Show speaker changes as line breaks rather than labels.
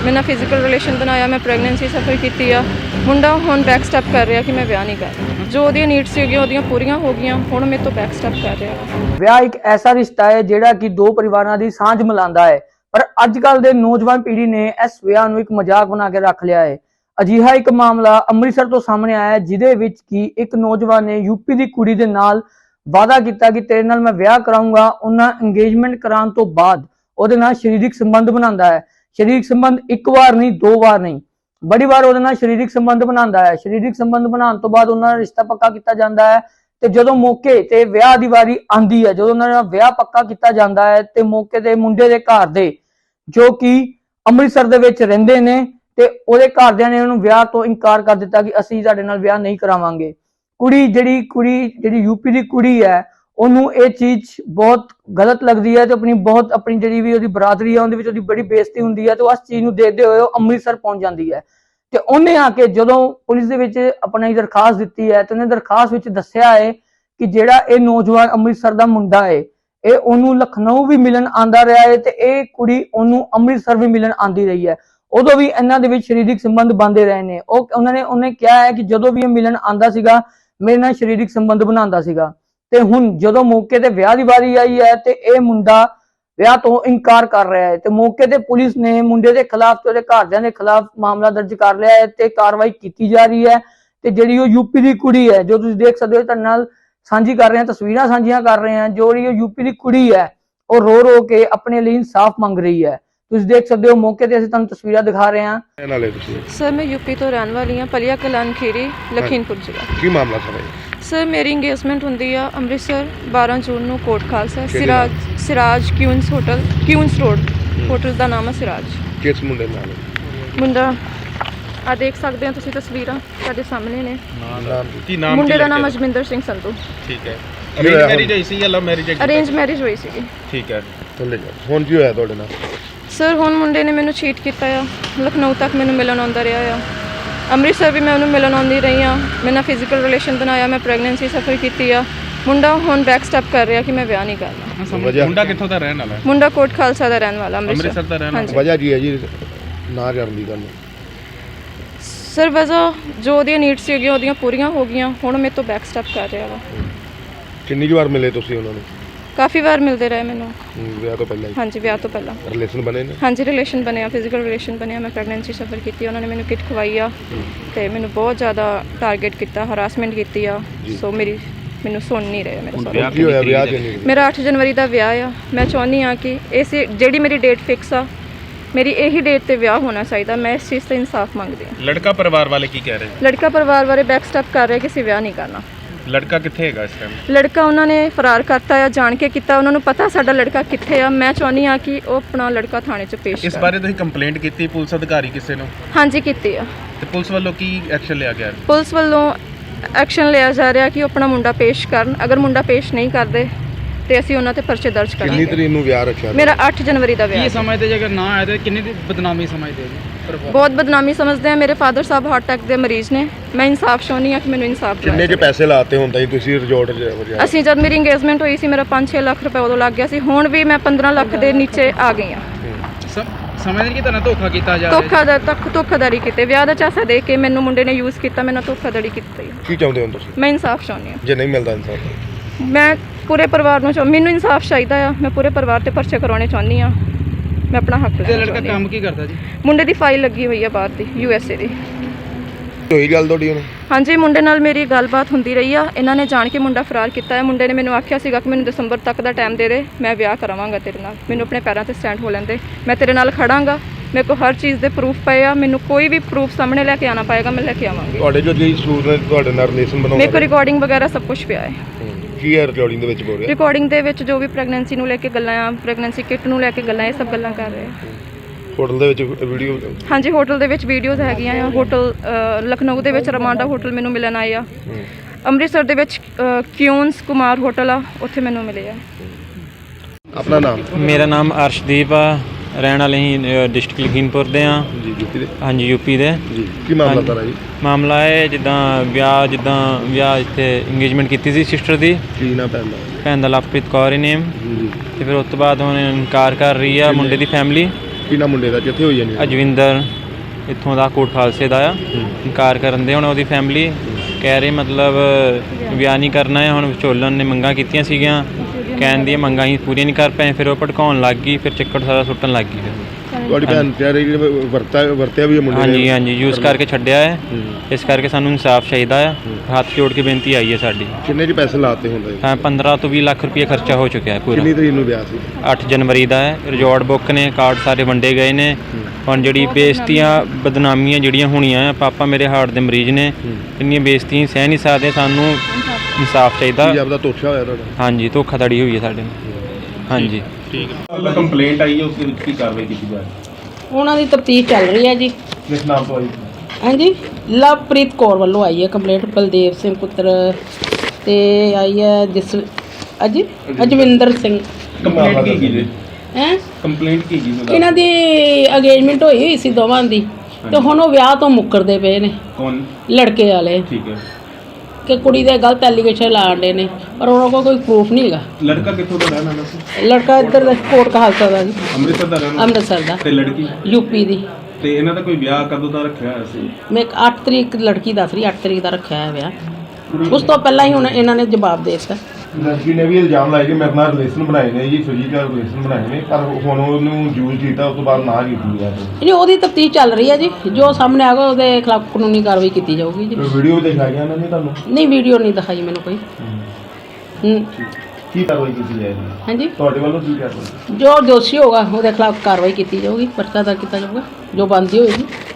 ਮੇਰੇ ਨਾਲ physical relation ਬਣਾਇਆ, ਮੈਂ ਪ੍ਰੈਗਨੈਂਸੀ ਸਫਰ ਕੀਤੀ ਆ। ਮੁੰਡਾ ਹੁਣ ਬੈਕ ਸਟੈਪ ਕਰ ਰਿਹਾ ਕਿ ਮੈਂ ਵਿਆਹ ਨਹੀਂ ਕਰਨਾ। ਜੋ ਉਹਦੀਆਂ ਨੀਡਸ ਸੀਗੀਆਂ ਉਹਦੀਆਂ ਪੂਰੀਆਂ ਹੋ ਗਈਆਂ, ਹੁਣ ਮੇਰੇ ਤੋਂ ਬੈਕ ਸਟੈਪ ਕਰ ਰਿਹਾ।
ਵਿਆਹ ਇੱਕ ਐਸਾ ਰਿਸ਼ਤਾ ਹੈ ਜਿਹੜਾ ਕਿ ਦੋ ਪਰਿਵਾਰਾਂ ਦੀ ਸਾਂਝ ਮਿਲਾਉਂਦਾ ਹੈ, ਪਰ ਅੱਜ ਕੱਲ ਦੇ ਨੌਜਵਾਨ ਪੀੜ੍ਹੀ ਨੇ ਇਸ ਵਿਆਹ ਨੂੰ ਇੱਕ ਮਜ਼ਾਕ ਬਣਾ ਕੇ ਰੱਖ ਲਿਆ ਹੈ। ਅਜਿਹਾ ਇੱਕ ਮਾਮਲਾ ਅੰਮ੍ਰਿਤਸਰ ਤੋਂ ਸਾਹਮਣੇ ਆਇਆ ਹੈ, ਜਿਹਦੇ ਵਿੱਚ ਕਿ ਇੱਕ ਨੌਜਵਾਨ ਨੇ ਯੂਪੀ ਦੀ ਕੁੜੀ ਦੇ ਨਾਲ ਵਾਅਦਾ ਕੀਤਾ ਕਿ ਤੇਰੇ ਨਾਲ ਮੈਂ ਵਿਆਹ ਕਰਾਉਂਗਾ। ਉਹਨਾਂ ਇੰਗੇਜਮੈਂਟ ਕਰਾਉਣ ਤੋਂ ਬਾਅਦ ਉਹਦੇ ਨਾਲ ਸਰੀਰਕ ਸੰਬੰਧ ਬਣਾਉਂਦਾ ਹੈ। ਸਰੀਰਕ ਸੰਬੰਧ ਇੱਕ ਵਾਰ ਨਹੀਂ, ਦੋ ਵਾਰ ਨਹੀਂ, ਬੜੀ ਵਾਰ ਉਹਦੇ ਨਾਲ ਸਰੀਰਕ ਸੰਬੰਧ ਬਣਾਉਂਦਾ ਹੈ। ਸਰੀਰਕ ਸੰਬੰਧ ਬਣਾਉਣ ਤੋਂ ਬਾਅਦ ਉਹਨਾਂ ਦਾ ਰਿਸ਼ਤਾ ਪੱਕਾ ਕੀਤਾ ਜਾਂਦਾ ਹੈ ਤੇ ਜਦੋਂ ਮੌਕੇ ਤੇ ਵਿਆਹ ਦੀ ਵਾਰੀ ਆਂਦੀ ਹੈ, ਜਦੋਂ ਉਹਨਾਂ ਦਾ ਵਿਆਹ ਪੱਕਾ ਕੀਤਾ ਜਾਂਦਾ ਹੈ ਤੇ ਮੌਕੇ ਤੇ ਮੁੰਡੇ ਦੇ ਘਰ ਦੇ ਜੋ ਕਿ ਅੰਮ੍ਰਿਤਸਰ ਦੇ ਵਿੱਚ ਰਹਿੰਦੇ ਨੇ ਤੇ ਉਹਦੇ ਘਰਦਿਆਂ ਨੇ ਉਹਨੂੰ ਵਿਆਹ ਤੋਂ ਇਨਕਾਰ ਕਰ ਦਿੱਤਾ ਕਿ ਅਸੀਂ ਤੁਹਾਡੇ ਨਾਲ ਵਿਆਹ ਨਹੀਂ ਕਰਾਵਾਂਗੇ। ਕੁੜੀ ਜਿਹੜੀ ਯੂਪੀ ਦੀ ਕੁੜੀ ਹੈ, ਉਹਨੂੰ ਇਹ ਚੀਜ਼ ਬਹੁਤ ਗਲਤ ਲੱਗਦੀ ਹੈ ਤੇ ਆਪਣੀ ਜਿਹੜੀ ਵੀ ਉਹਦੀ ਬਰਾਦਰੀ ਹੈ ਉਹਦੇ ਵਿੱਚ ਉਹਦੀ ਬੜੀ ਬੇਇੱਜ਼ਤੀ ਹੁੰਦੀ ਹੈ ਤੇ ਉਸ ਚੀਜ਼ ਨੂੰ ਦੇਖਦੇ ਹੋਏ ਉਹ ਅੰਮ੍ਰਿਤਸਰ ਪਹੁੰਚ ਜਾਂਦੀ ਹੈ। ਤੇ ਉਹਨੇ ਆ ਕੇ ਜਦੋਂ ਪੁਲਿਸ ਦੇ ਵਿੱਚ ਆਪਣੀ ਦਰਖਾਸਤ ਦਿੱਤੀ ਹੈ ਤੇ ਉਹਨੇ ਦਰਖਾਸਤ ਵਿੱਚ ਦੱਸਿਆ ਹੈ ਕਿ ਜਿਹੜਾ ਇਹ ਨੌਜਵਾਨ ਅੰਮ੍ਰਿਤਸਰ ਦਾ ਮੁੰਡਾ ਹੈ, ਇਹ ਉਹਨੂੰ ਲਖਨਊ ਵੀ ਮਿਲਣ ਆਂਦਾ ਰਿਹਾ ਹੈ ਤੇ ਇਹ ਕੁੜੀ ਉਹਨੂੰ ਅੰਮ੍ਰਿਤਸਰ ਵੀ ਮਿਲਣ ਆਂਦੀ ਰਹੀ ਹੈ। ਉਦੋਂ ਵੀ ਇਹਨਾਂ ਦੇ ਵਿੱਚ ਸਰੀਰਕ ਸੰਬੰਧ ਬਣਦੇ ਰਹੇ ਨੇ। ਉਹਨੇ ਕਿਹਾ ਹੈ ਕਿ ਜਦੋਂ ਵੀ ਇਹ ਮਿਲਣ ਆਂਦਾ ਸੀਗਾ ਮੇਰੇ ਨਾਲ ਸਰੀਰਕ ਸੰਬੰਧ ਬਣਾਉਂਦਾ ਸੀਗਾ ਤੇ ਹੁਣ ਜਦੋਂ ਮੌਕੇ ਤੇ ਵਿਆਹ ਦੀ ਵਾਰੀ ਆਈ ਹੈ ਤੇ ਇਹ ਮੁੰਡਾ ਵਿਆਹ ਤੋਂ ਇਨਕਾਰ ਕਰ ਰਿਹਾ ਹੈ ਤੇ ਮੌਕੇ ਤੇ ਪੁਲਿਸ ਨੇ ਮੁੰਡੇ ਦੇ ਖਿਲਾਫ ਤੇ ਉਹਦੇ ਘਰਦਿਆਂ ਦੇ ਖਿਲਾਫ ਮਾਮਲਾ ਦਰਜ ਕਰ ਲਿਆ ਹੈ ਤੇ ਕਾਰਵਾਈ ਕੀਤੀ ਜਾ ਰਹੀ ਹੈ। ਤੇ ਜਿਹੜੀ ਉਹ ਯੂਪੀ ਦੀ ਕੁੜੀ ਹੈ, ਜੋ ਤੁਸੀਂ ਦੇਖ ਸਕਦੇ ਹੋ, ਤੁਹਾਡੇ ਨਾਲ ਸਾਂਝੀ ਕਰ ਰਹੇ ਹਾਂ, ਤਸਵੀਰਾਂ ਸਾਂਝੀਆਂ ਕਰ ਰਹੇ ਹਾਂ, ਜੋ ਉਹ ਯੂਪੀ ਦੀ ਕੁੜੀ ਹੈ ਉਹ ਰੋ ਰੋ ਕੇ ਆਪਣੇ ਲਈ ਇਨਸਾਫ ਮੰਗ ਰਹੀ ਹੈ। ਤੁਸੀਂ ਦੇਖ ਸਕਦੇ ਹੋ ਮੌਕੇ ਤੇ ਅਸੀਂ ਤੁਹਾਨੂੰ ਤਸਵੀਰਾਂ ਦਿਖਾ ਰਹੇ ਹਾਂ।
ਸਰ ਮੈਂ ਯੂਪੀ ਤੋਂ ਰਹਿਣ ਵਾਲੀ ਹਾਂ, ਪਲੀਆ ਕਲਾਨ ਖੀਰੀ, ਲਖੀਮਪੁਰ ਜ਼ਿਲ੍ਹਾ।
ਕੀ ਮਾਮਲਾ ਸਰ?
ਸਰ ਮੇਰੀ ਇੰਗੇਜਮੈਂਟ ਹੁੰਦੀ ਆ ਅੰਮ੍ਰਿਤਸਰ 12 ਜੂਨ ਨੂੰ Kot Khalsa Siraj Queens road hotel ਦਾ ਨਾਮ ਹੈ ਸਿਰਾਜ।
ਕਿਸ ਮੁੰਡੇ ਨਾਲ?
ਮੁੰਡਾ ਆ ਦੇਖ ਸਕਦੇ ਹੋ ਤੁਸੀਂ, ਤਸਵੀਰਾਂ ਤੁਹਾਡੇ ਸਾਹਮਣੇ ਨੇ।
ਕੀ ਨਾਮ?
ਮੁੰਡੇ ਦਾ ਨਾਮ ਅਜਮਿੰਦਰ ਸਿੰਘ ਸੰਧੂ।
ਠੀਕ ਹੈ। ਅਰੇਂਜ ਮੈਰਿਜ ਹੋਈ ਸੀ ਜਾਂ ਲਵ ਮੈਰਿਜ?
ਅਰੇਂਜ ਮੈਰਿਜ ਹੋਈ ਸੀਗੀ।
ਠੀਕ ਹੈ। ਹੁਣ ਕੀ ਹੋਇਆ ਤੁਹਾਡੇ ਨਾਲ?
ਸਰ ਹੁਣ ਮੁੰਡੇ ਨੇ ਮੈਨੂੰ ਚੀਟ ਕੀਤਾ ਆ। ਲਖਨਊ ਤੱਕ ਮੈਨੂੰ ਮਿਲਣ ਆਉਂਦਾ ਰਿਹਾ ਆ, ਅੰਮ੍ਰਿਤਸਰ ਵੀ ਮੈਂ ਉਹਨੂੰ ਮਿਲਣ ਆਉਂਦੀ ਰਹੀ ਹਾਂ। ਮੇਰੇ ਨਾਲ ਫਿਜ਼ੀਕਲ ਰਿਲੇਸ਼ਨ ਬਣਾਇਆ, ਮੈਂ ਪ੍ਰੈਗਨੈਂਸੀ ਸਫਰ ਕੀਤੀ ਆ। ਮੁੰਡਾ ਹੁਣ ਬੈਕ ਸਟੈਪ ਕਰ ਰਿਹਾ ਕਿ ਮੈਂ ਵਿਆਹ ਨਹੀਂ ਕਰਨਾ।
ਮੁੰਡਾ ਕਿੱਥੋਂ ਦਾ ਰਹਿਣ ਵਾਲਾ ਹੈ?
ਮੁੰਡਾ ਕੋਟ ਖਾਲਸਾ ਦਾ ਰਹਿਣ ਵਾਲਾ, ਅੰਮ੍ਰਿਤਸਰ
ਦਾ ਰਹਿਣ ਵਾਲਾ। ਵਜ੍ਹਾ ਕੀ ਹੈ ਜੀ ਨਾ ਕਰਨ ਦੀ ਗੱਲ?
ਸਰ ਵਜ੍ਹਾ ਜੋ ਉਹਦੀਆਂ ਨੀਡਸ ਸੀਗੀਆਂ ਉਹਦੀਆਂ ਪੂਰੀਆਂ ਹੋ ਗਈਆਂ, ਹੁਣ ਮੇਰੇ ਤੋਂ ਬੈਕ ਸਟੈਪ ਕਰ ਰਿਹਾ ਵਾ।
ਕਿੰਨੀ ਵਾਰ ਮਿਲੇ ਤੁਸੀਂ ਉਹਨਾਂ ਨੂੰ?
ਕਾਫੀ ਵਾਰ ਮਿਲਦੇ ਰਹੇ ਮੈਨੂੰ।
ਵਿਆਹ ਤੋਂ ਪਹਿਲਾਂ?
ਹਾਂਜੀ, ਵਿਆਹ ਤੋਂ ਪਹਿਲਾਂ।
ਰਿਲੇਸ਼ਨ ਬਣੇ ਨੇ? ਹਾਂਜੀ,
ਰਿਲੇਸ਼ਨ ਬਣਿਆ, ਫਿਜ਼ੀਕਲ ਰਿਲੇਸ਼ਨ ਬਣਿਆ। ਮੈਂ ਪ੍ਰੈਗਨੈਂਸੀ ਸਫਰ ਕੀਤੀ, ਉਹਨਾਂ ਨੇ ਮੈਨੂੰ ਕਿਟ ਖਵਾਈ ਆ ਤੇ ਮੈਨੂੰ ਬਹੁਤ ਜ਼ਿਆਦਾ ਟਾਰਗੇਟ ਕੀਤਾ, ਹਰਾਸਮੈਂਟ ਕੀਤੀ ਆ। ਸੋ ਮੈਨੂੰ ਸੁਣ ਨਹੀਂ ਰਿਹਾ ਮੇਰੇ
ਵਿਆਹ ਕੀ ਹੋਇਆ? ਵਿਆਹ ਕਿੰਨੀ?
ਮੇਰਾ 8 ਜਨਵਰੀ ਦਾ ਵਿਆਹ ਆ। ਮੈਂ ਚਾਹੁੰਦੀ ਹਾਂ ਕਿ ਜਿਹੜੀ ਮੇਰੀ ਡੇਟ ਫਿਕਸ ਆ, ਮੇਰੀ ਇਹੀ ਡੇਟ ਤੇ ਵਿਆਹ ਹੋਣਾ ਚਾਹੀਦਾ। ਮੈਂ ਇਸ ਚੀਜ਼ ਤੇ ਇਨਸਾਫ ਮੰਗਦੀ ਹਾਂ।
ਲੜਕਾ ਪਰਿਵਾਰ ਵਾਲੇ ਕੀ ਕਹਿ ਰਹੇ?
ਲੜਕਾ ਪਰਿਵਾਰ ਵਾਲੇ ਬੈਕ ਸਟੈਪ ਕਰ ਰਹੇ ਕਿ ਅਸੀਂ ਵਿਆਹ ਨਹੀਂ ਕਰਨਾ।
ਲੜਕਾ ਕਿੱਥੇ ਹੈਗਾ ਇਸ ਟਾਈਮ?
ਲੜਕਾ ਉਹਨਾਂ ਨੇ ਫਰਾਰ ਕਰਤਾ ਆ, ਜਾਣ ਕੇ ਕੀਤਾ। ਉਹਨਾਂ ਨੂੰ ਪਤਾ ਸਾਡਾ ਲੜਕਾ ਕਿੱਥੇ ਆ। ਮੈਂ ਚਾਹੁੰਦੀ ਹਾਂ ਕਿ ਉਹ ਆਪਣਾ ਲੜਕਾ ਥਾਣੇ 'ਚ ਪੇਸ਼ ਕਰੇ।
ਇਸ ਬਾਰੇ ਤੁਸੀਂ ਕੰਪਲੇਂਟ ਕੀਤੀ ਪੁਲਿਸ ਅਧਿਕਾਰੀ ਕਿਸੇ ਨੂੰ?
ਹਾਂਜੀ ਕੀਤੀ ਆ।
ਤੇ ਪੁਲਿਸ ਵੱਲੋਂ ਕੀ ਐਕਸ਼ਨ ਲਿਆ ਗਿਆ?
ਪੁਲਿਸ ਵੱਲੋਂ ਐਕਸ਼ਨ ਲਿਆ ਜਾ ਰਿਹਾ ਕਿ ਉਹ ਆਪਣਾ ਮੁੰਡਾ ਪੇਸ਼ ਕਰਨ। ਅਗਰ ਮੁੰਡਾ ਪੇਸ਼ ਨਹੀਂ ਕਰਦੇ ਤੇ ਅਸੀਂ ਉਹਨਾਂ ਤੇ ਪਰਚੇ ਦਰਜ ਕਰਾਂਗੇ।
ਕਿੰਨੀ ਤਰੀਕ ਨੂੰ ਵਿਆਹ ਰੱਖਿਆ?
ਮੇਰਾ 8 ਜਨਵਰੀ ਦਾ ਵਿਆਹ।
ਕੀ ਸਮਝਦੇ ਜੇ ਅਗਰ ਨਾ ਆਏ ਤਾਂ ਕਿੰਨੀ ਬਦਨਾਮੀ ਸਮਝਦੇ ਹੋ?
ਬਹੁਤ ਬਦਨਾਮੀ ਸਮਝਦੇ ਆ। ਮੇਰੇ ਫਾਦਰ ਸਾਹਿਬ ਹਾਰਟ ਅਟੈਕ ਦੇ ਮਰੀਜ਼ ਨੇ। ਮੈਂ ਇਨਸਾਫ ਚਾਹੁੰਦੀ ਹਾਂ ਕਿ ਮੈਨੂੰ ਇਨਸਾਫ ਦਿਵਾਇਆ।
ਕਿੰਨੇ ਪੈਸੇ ਲਾਤੇ ਹੁੰਦਾ ਜੀ ਤੁਸੀਂ ਰਿਜ਼ੋਰਟ 'ਚ?
ਅਸੀਂ ਜਦ ਮੇਰੀ ਇੰਗੇਜਮੈਂਟ ਹੋਈ ਸੀ ਮੇਰਾ 5-6 ਲੱਖ ਰੁਪਏ ਉਦੋਂ ਲੱਗ ਗਿਆ ਸੀ। ਹੁਣ ਵੀ ਮੈਂ 15 ਲੱਖ ਦੇ ਨੀਚੇ ਆ ਗਈ ਹਾਂ।
ਸਮਝਦੇ ਕਿ ਤੁਹਾਨੂੰ ਧੋਖਾ ਕੀਤਾ ਜਾ
ਰਿਹਾ? ਧੋਖਾਧੜੀ ਕੀਤੇ, ਵਿਆਹ ਦਾ ਚਾਸਾ ਦੇ ਕੇ ਮੈਨੂੰ ਮੁੰਡੇ ਨੇ ਯੂਜ਼ ਕੀਤਾ, ਮੈਨੂੰ ਧੋਖਾਧੜੀ ਕੀਤੀ।
ਕੀ ਚਾਹੁੰਦੇ ਹੋ ਤੁਸੀਂ?
ਮੈਂ ਇਨਸਾਫ ਚਾਹੁੰਦੀ ਹਾਂ।
ਜੇ ਨਹੀਂ ਮਿਲਦਾ ਇਨਸਾਫ?
ਮੈਂ ਪੂਰੇ ਪਰਿਵਾਰ ਨੂੰ ਮੈਨੂੰ ਇਨਸਾਫ ਚਾਹੀਦਾ ਆ। ਮੈਂ ਪੂਰੇ ਪਰਿਵਾਰ ਤੇ ਪਰਚੇ ਕਰਾਉਣੇ ਚਾਹੁੰਦੀ ਹਾਂ। ਮੈਂ ਆਪਣਾ ਹੱਕ ਲੈਣਾ।
ਲੜਕਾ ਕੰਮ ਕੀ ਕਰਦਾ ਜੀ?
ਮੁੰਡੇ ਦੀ ਫਾਈਲ ਲੱਗੀ ਹੋਈ ਆ ਬਾਹਰ ਦੀ, USA ਦੀ।
ਹੋਈ ਗੱਲ ਤੁਹਾਡੀ ਹੁਣ?
ਹਾਂਜੀ, ਮੁੰਡੇ ਨਾਲ ਮੇਰੀ ਗੱਲਬਾਤ ਹੁੰਦੀ ਰਹੀ ਆ। ਇਹਨਾਂ ਨੇ ਜਾਣ ਕੇ ਮੁੰਡਾ ਫਰਾਰ ਕੀਤਾ ਹੈ। ਮੁੰਡੇ ਨੇ ਮੈਨੂੰ ਆਖਿਆ ਸੀਗਾ ਕਿ ਮੈਨੂੰ ਦਸੰਬਰ ਤੱਕ ਦਾ ਟਾਈਮ ਦੇ ਦੇ, ਮੈਂ ਵਿਆਹ ਕਰਾਵਾਂਗਾ ਤੇਰੇ ਨਾਲ। ਮੈਨੂੰ ਆਪਣੇ ਪੈਰਾਂ ਤੇ ਸਟੈਂਡ ਹੋ ਲੈਂਦੇ, ਮੈਂ ਤੇਰੇ ਨਾਲ ਖੜਾਂਗਾ। ਮੇਰੇ ਕੋਲ ਹਰ ਚੀਜ਼ ਦੇ ਪ੍ਰੂਫ ਪਏ ਆ। ਮੈਨੂੰ ਕੋਈ ਵੀ ਪ੍ਰੂਫ ਸਾਹਮਣੇ ਲੈ ਕੇ ਆਉਣਾ ਪਏਗਾ, ਮੈਂ ਲੈ ਕੇ ਆਵਾਂਗੀ।
ਤੁਹਾਡੇ ਜੋ ਜੀ ਸੂਰ ਨੇ ਤੁਹਾਡੇ ਨਾਲ ਰਿਲੇਸ਼ਨ ਬਣਾਉਣਾ?
ਮੇਰੇ ਕੋਲ ਰਿਕਾਰਡਿੰਗ ਵਗੈਰਾ ਸਭ ਕੁਝ ਪਿਆ ਹੈ।
ਕੀ ਹੈ ਰਿਕਾਰਡਿੰਗ ਦੇ ਵਿੱਚ ਬੋਲ ਰਿਹਾ?
ਰਿਕਾਰਡਿੰਗ ਦੇ ਵਿੱਚ ਜੋ ਵੀ ਪ੍ਰੈਗਨੈਂਸੀ ਨੂੰ ਲੈ ਕੇ ਗੱਲਾਂ ਆ, ਪ੍ਰੈਗਨੈਂਸੀ ਕਿਟ ਨੂੰ ਲੈ ਕੇ ਗੱਲਾਂ, ਇਹ ਸਭ ਗੱਲਾਂ ਕਰ ਰਹੇ ਆ।
ਹੋਟਲ ਦੇ ਵਿੱਚ ਵੀਡੀਓ?
ਹਾਂਜੀ, ਹੋਟਲ ਦੇ ਵਿੱਚ ਵੀਡੀਓਜ਼ ਹੈਗੀਆਂ ਆ। ਹੋਟਲ ਲਖਨਊ ਦੇ ਵਿੱਚ ਰਮਾਂਡਾ ਹੋਟਲ ਮੈਨੂੰ ਮਿਲਣ ਆਏ ਆ। ਅੰਮ੍ਰਿਤਸਰ ਦੇ ਵਿੱਚ ਕਿਊਨਸ ਕੁਮਾਰ ਹੋਟਲ ਆ, ਉੱਥੇ ਮੈਨੂੰ ਮਿਲੇ ਆ।
ਆਪਣਾ ਨਾਮ?
ਮੇਰਾ ਨਾਮ ਅਰਸ਼ਦੀਪ ਆ, ਰਹਿਣ ਵਾਲੇ ਹੀ ਡਿਸਟ੍ਰਿਕਟ ਲਖੀਮਪੁਰ ਦੇ ਆ
ਜੀ। ਯੂਪੀ ਦੇ?
ਹਾਂਜੀ, ਯੂਪੀ ਦੇ
ਜੀ। ਕੀ ਮਾਮਲਾ ਸਾਰਾ ਜੀ?
ਮਾਮਲਾ ਹੈ ਜਿੱਦਾਂ ਵਿਆਹ ਇੱਥੇ ਇੰਗੇਜਮੈਂਟ ਕੀਤੀ ਸੀ ਸਿਸਟਰ ਦੀ।
ਕੀ ਨਾ
ਭੈਣ ਦਾ ਲਵਪ੍ਰੀਤ ਕੌਰ ਹੀ ਨੇਮ।
ਜੀ।
ਤੇ ਫਿਰ ਉਸ ਤੋਂ ਬਾਅਦ ਹੁਣ ਇਨਕਾਰ ਕਰ ਰਹੀ ਆ ਮੁੰਡੇ ਦੀ ਫੈਮਿਲੀ।
ਕੀ ਨਾਮ ਮੁੰਡੇ ਦਾ ਕਿੱਥੇ ਹੋਈ ਜਾਨੀ
ਅਜਵਿੰਦਰ ਇੱਥੋਂ ਦਾ ਕੋਟ ਖਾਲਸੇ ਦਾ ਆ। ਇਨਕਾਰ ਕਰਨ ਦੇ ਹੁਣ ਉਹਦੀ ਫੈਮਿਲੀ ਕਹਿ ਰਹੀ ਮਤਲਬ ਵਿਆਹ ਨਹੀਂ ਕਰਨਾ ਹੈ। ਹੁਣ ਵਿਚੋਲਨ ਨੇ ਮੰਗਾਂ ਕੀਤੀਆਂ ਸੀਗੀਆਂ, ਕਹਿਣ ਦੀਆਂ ਮੰਗਾਂ ਹੀ ਪੂਰੀਆਂ ਨਹੀਂ ਕਰ ਪਏ, ਫਿਰ ਉਹ ਭੜਕਾਉਣ ਲੱਗ ਗਈ, ਫਿਰ ਚੱਕਰ ਸਾਰਾ ਸੁੱਟਣ ਲੱਗ ਗਈ। ਫਿਰ
ਤੁਹਾਡੀ ਭੈਣ ਕਹਿ ਰਹੀ ਕਿ ਵਰਤਿਆ ਵੀ ਹੈ ਮੁੰਡੇ ਨੇ।
ਹਾਂਜੀ ਹਾਂਜੀ ਯੂਜ਼ ਕਰਕੇ ਛੱਡਿਆ ਹੈ। ਇਸ ਕਰਕੇ ਸਾਨੂੰ ਇਨਸਾਫ ਚਾਹੀਦਾ ਆ। ਹੱਥ ਜੋੜ ਕੇ ਬੇਨਤੀ ਆਈ ਹੈ ਸਾਡੀ।
ਕਿੰਨੇ ਜੀ ਪੈਸੇ ਲਾਤੇ ਹੁੰਦੇ?
ਤਾਂ 15 ਤੋਂ 20 ਲੱਖ ਰੁਪਏ ਖਰਚਾ ਹੋ ਚੁੱਕਿਆ ਹੈ ਪੂਰਾ।
ਕਿੰਨੀ ਤਰੀਕ ਨੂੰ ਵਿਆਹ ਸੀ?
8 ਜਨਵਰੀ ਦਾ ਹੈ। ਰਿਜ਼ੋਰਟ ਬੁੱਕ ਨੇ, ਕਾਰਡ ਸਾਰੇ ਵੰਡੇ ਗਏ ਨੇ। ਹੁਣ ਜਿਹੜੀ ਬੇਇੱਜ਼ਤੀਆਂ ਬਦਨਾਮੀਆਂ ਜਿਹੜੀਆਂ ਹੋਣੀਆਂ ਆ, ਪਾਪਾ ਮੇਰੇ ਹਾਰਟ ਦੇ ਮਰੀਜ਼ ਨੇ, ਇੰਨੀਆਂ ਬੇਇੱਜ਼ਤੀਆਂ ਸਹਿ ਨਹੀਂ ਸਕਦੇ। ਸਾਨੂੰ ਇਨਸਾਫ ਚਾਹੀਦਾ।
ਕੀ ਆਪਦਾ ਧੋਖਾ ਹੋਇਆ ਤੁਹਾਡਾ?
ਹਾਂਜੀ ਧੋਖਾਧੜੀ ਹੋਈ ਹੈ ਸਾਡੇ ਨਾਲ। ਹਾਂਜੀ
ਕੰਪਲੇਂਟ ਆਈ ਹੈ, ਉਸ ਦੇ ਵਿੱਚ ਕੀ ਕਾਰਵਾਈ ਕੀਤੀ ਜਾ ਰਹੀ ਹੈ?
ਉਹਨਾਂ ਦੀ ਤਫਤੀਸ਼ ਚੱਲ ਰਹੀ ਹੈ ਜੀ।
ਕਿਸ ਨਾਮ ਤੋਂ ਆਈ?
ਹਾਂਜੀ, ਲਵਪ੍ਰੀਤ ਕੌਰ ਵੱਲੋਂ ਆਈ ਹੈ ਕੰਪਲੇਂਟ। ਬਲਦੇਵ ਸਿੰਘ ਪੁੱਤਰ ਤੇ ਆਈ ਹੈ ਅਜਵਿੰਦਰ ਸਿੰਘ।
ਕੰਪਲੇਂਟ ਕੀ ਕੀਤੀ?
ਹੈ
ਕੰਪਲੇਂਟ ਕੀ ਕੀਤੀ?
ਇਹਨਾਂ ਦੀ ਅਗੇਜਮੈਂਟ ਹੋਈ ਸੀ ਦੋਵਾਂ ਦੀ, ਤੇ ਹੁਣ ਉਹ ਵਿਆਹ ਤੋਂ ਮੁੱਕਰਦੇ ਪਏ ਨੇ।
ਕੌਣ?
ਲੜਕੇ ਵਾਲੇ
ਠੀਕ ਹੈ।
ਕਿ ਕੁੜੀ ਦੇ ਗਲਤ ਐਲੀਗੇਸ਼ਨ ਲਾਉਂਦੇ ਨੇ, ਪਰ ਉਹਨਾਂ ਕੋਲ ਕੋਈ ਪ੍ਰੂਫ ਨਹੀਂ ਹੈਗਾ।
ਲੜਕਾ ਕਿੱਥੋਂ ਦਾ ਰਹਿਣ ਵਾਲਾ ਸੀ?
ਲੜਕਾ ਇੱਧਰ ਦਾ ਕੋਟ ਕਹਾਲਸਾ ਦਾ ਜੀ,
ਅੰਮ੍ਰਿਤਸਰ ਦਾ ਰਹਿਣ ਵਾਲਾ?
ਅੰਮ੍ਰਿਤਸਰ ਦਾ।
ਤੇ ਲੜਕੀ?
ਯੂਪੀ ਦੀ।
ਤੇ ਇਹਨਾਂ ਦਾ ਕੋਈ ਵਿਆਹ ਕਦੋਂ ਦਾ ਰੱਖਿਆ ਹੋਇਆ ਸੀ?
ਮੈਂ 8 ਤਰੀਕ ਲੜਕੀ ਦੱਸ ਰਹੀ, 8 ਤਰੀਕ ਦਾ ਰੱਖਿਆ ਹੈ ਵਿਆਹ। ਉਸ ਤੋਂ ਪਹਿਲਾਂ ਹੀ ਹੁਣ ਇਹਨਾਂ ਨੇ ਜਵਾਬ ਦੇ ਦਿੱਤਾ।
ਲੜਕੀ ਨੇ ਵੀ ਇਲਜ਼ਾਮ ਲਾਇਆ ਕਿ ਮੇਰੇ ਨਾਲ ਰਿਲੇਸ਼ਨ ਬਣਾਏ ਨੇ ਜੀ, ਫਿਜ਼ੀਕਲ ਰਿਲੇਸ਼ਨ ਬਣਾਏ ਨੇ, ਪਰ ਹੁਣ ਉਹਨੂੰ ਯੂਜ਼ ਕੀਤਾ, ਉਸ ਤੋਂ ਬਾਅਦ ਨਾ ਕੀਤੀ ਹੈ।
ਨਹੀਂ, ਉਹਦੀ ਤਫਤੀਸ਼ ਚੱਲ ਰਹੀ ਹੈ ਜੀ। ਜੋ ਸਾਹਮਣੇ ਆਗਾ ਉਹਦੇ ਖਿਲਾਫ ਕਾਨੂੰਨੀ ਕਾਰਵਾਈ ਕੀਤੀ ਜਾਊਗੀ ਜੀ।
ਵੀਡੀਓ ਦਿਖਾਇਆ ਗਿਆ ਇਹਨਾਂ ਨੇ ਤੁਹਾਨੂੰ?
ਨਹੀਂ, ਵੀਡੀਓ ਨਹੀਂ ਦਿਖਾਈ ਮੈਨੂੰ ਕੋਈ।
ਕੀ ਕਾਰਵਾਈ ਕੀਤੀ ਜਾਏਗੀ
ਹਾਂਜੀ,
ਤੁਹਾਡੇ ਵੱਲੋਂ? ਕੀ ਕਾਰਵਾਈ?
ਜੋ ਦੋਸ਼ੀ ਹੋਗਾ ਉਹਦੇ ਖਿਲਾਫ ਕਾਰਵਾਈ ਕੀਤੀ ਜਾਊਗੀ, ਪਰਚਾ ਦਰਜ ਕੀਤਾ ਜਾਊਗਾ, ਜੋ ਬਣਦੀ ਹੋਏਗੀ।